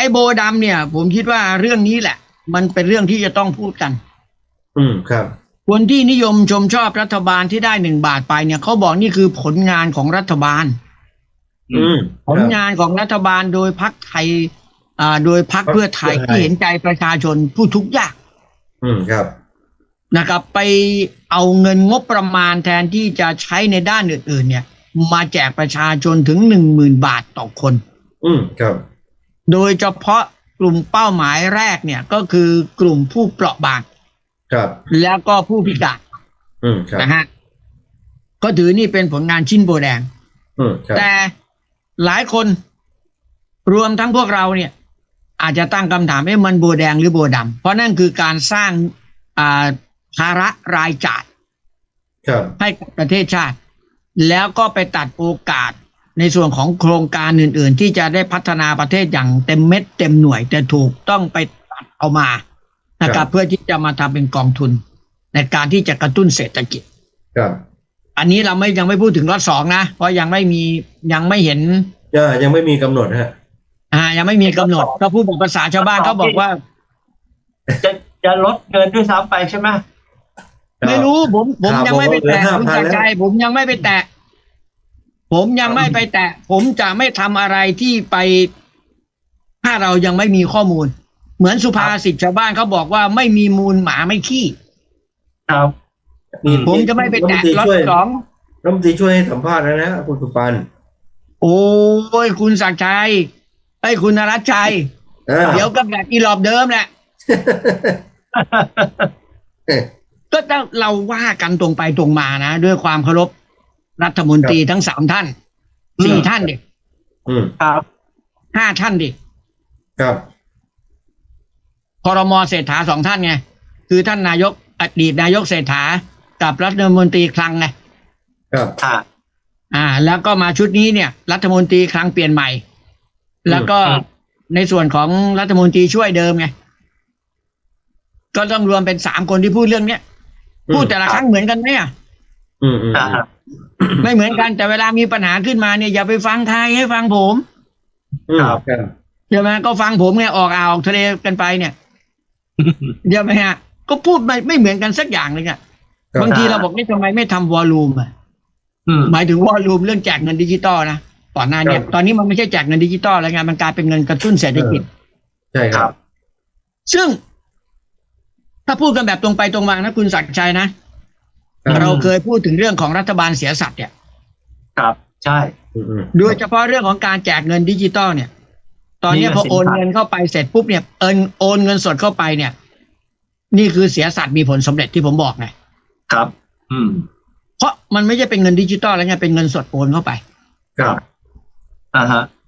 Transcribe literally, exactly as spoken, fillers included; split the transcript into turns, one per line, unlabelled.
อ้โบดำเนี่ยผมคิดว่าเรื่องนี้แหละมันเป็นเรื่องที่จะต้องพูดกัน
อืมครับ
คนที่นิยมชมชอบรัฐบาลที่ได้หนึ่งบาทไปเนี่ยเขาบอกนี่คือผลงานของรัฐบาล
อืม
ผลงานของรัฐบาลโดยพรรคไทยอ่าโดยพรรคเพื่อไทยที่เห็นใจประชาชนผู้ทุกข์ยาก
อืมครับ
นะครับไปเอาเงินงบประมาณแทนที่จะใช้ในด้านอื่นๆเนี่ยมาแจกประชาชนถึงหนึ่งหมื่นบาทต่อคน
อืมครับ
โดยเฉพาะกลุ่มเป้าหมายแรกเนี่ยก็คือกลุ่มผู้เปราะบาง
ครับ
แล้วก็ผู้พิการ
อืมครับ
นะฮะก็ถือนี่เป็นผลงานชิ้นโบแดง
อืมครับ
แต่หลายคนรวมทั้งพวกเราเนี่ยอาจจะตั้งคำถามว่ามันโบแดงหรือโบดำเพราะนั่นคือการสร้างอ่าภาระรายจ่ายให้กับประเทศชาติแล้วก็ไปตัดโอกาสในส่วนของโครงการอื่นๆที่จะได้พัฒนาประเทศอย่างเต็มเม็ดเต็มหน่วยแต่ถูกต้องไปตัดเอามานะครับเพื่อที่จะมาทำเป็นกองทุนในการที่จะกระตุ้นเศรษฐกิจ
ครับ
อันนี้เราไม่ยังไม่พูดถึงรอบสองนะเพราะยังไม่มียังไม่เห็น
ยังไม่มีกำหนดฮะ
อ่ายังไม่มีกำหนดก็พูดภาษาชาวบ้านเขาบอกว่า
จะจะลดเกินด้วยซ้ำไปใช่ไหม
ไม่รู้ผมผมยังไม่ไปแตะคุณจักรชัยผมยังไม่ไปแตะผมยังไม่ไปแตะผมจะไม่ทำอะไรที่ไปถ้าเรายังไม่มีข้อมูลเหมือนสุภาษิตชาวบ้านเขาบอกว่าไม่มีมูลหมาไม่ขี้
ครับ
ผมจะไม่ไปแตะล็อตสอง
รัฐมนตรีช่วยให้สัมภาษณ์แล้วนะคุณสุปัน
โอ้ยคุณศักดิ์ชัยไอ้คุณนรัชชัยเดี๋ยวก็แบบอีหลอบเดิมแหละก็ต้องเราว่ากันตรงไปตรงมานะด้วยความเคารพรัฐมนตรีทั้งสามท่านสี่ท่านดิ
ครับ
ห้าท่านดิ
ครับ
ครม.เศรษฐาสองท่านไงคือท่านนายกอดีตนายกเศรษฐากับรัฐมนตรีคลังไง
ครับ
อ่าแล้วก็มาชุดนี้เนี่ยรัฐมนตรีคลังเปลี่ยนใหม่แล้วก็ในส่วนของรัฐมนตรีช่วยเดิมไงก็ต้องรวมเป็นสามคนที่พูดเรื่องเนี้ยพูดแต่ละครั้งเหมือนกันไหมอ่ะ
อืมอืม
ไม่เหมือนกันแต่เวลามีปัญหาขึ้นมาเนี่ยอย่าไปฟังใครให้ฟังผม
ครับ
ใช่ไหมก็ฟังผมไงออกอ่าวออกทะเลกันไปเนี่ยเดี๋ยวไหมฮะก็พูดไม่ไม่เหมือนกันสักอย่างเลยอ่ะบางทีเราบอกนี่ทำไมไม่ทำวอลลุ่มอ่ะหมายถึงวอลลุ่มเรื่องแจกเงินดิจิตอลนะก่อนหน้านี้ตอนนี้มันไม่ใช่แจกเงินดิจิตอลแล้วไงมันกลายเป็นเงินกระตุ้นเศรษฐกิจ
ใช่ครับ
ซึ่งถ้าพูดกันแบบตรงไปตรงมานะคุณศักดิ์ชัยนะเราเคยพูดถึงเรื่องของรัฐบาลเสียสัตย์เนี่ย
ครับใช่
โดยเฉพาะเรื่องของการแจกเงินดิจิตอลเนี่ยตอนนี้พอโอนเงินเข้าไปเสร็จปุ๊บเนี่ยเอินโอนเงินสดเข้าไปเนี่ยนี่คือเสียสัตย์มีผลสำเร็จที่ผมบอกไง
ครับอืม
เพราะมันไม่ใช่เป็นเงินดิจิตอลแล้วไงเป็นเงินสดโอนเข้าไป
ครับอ่าฮะ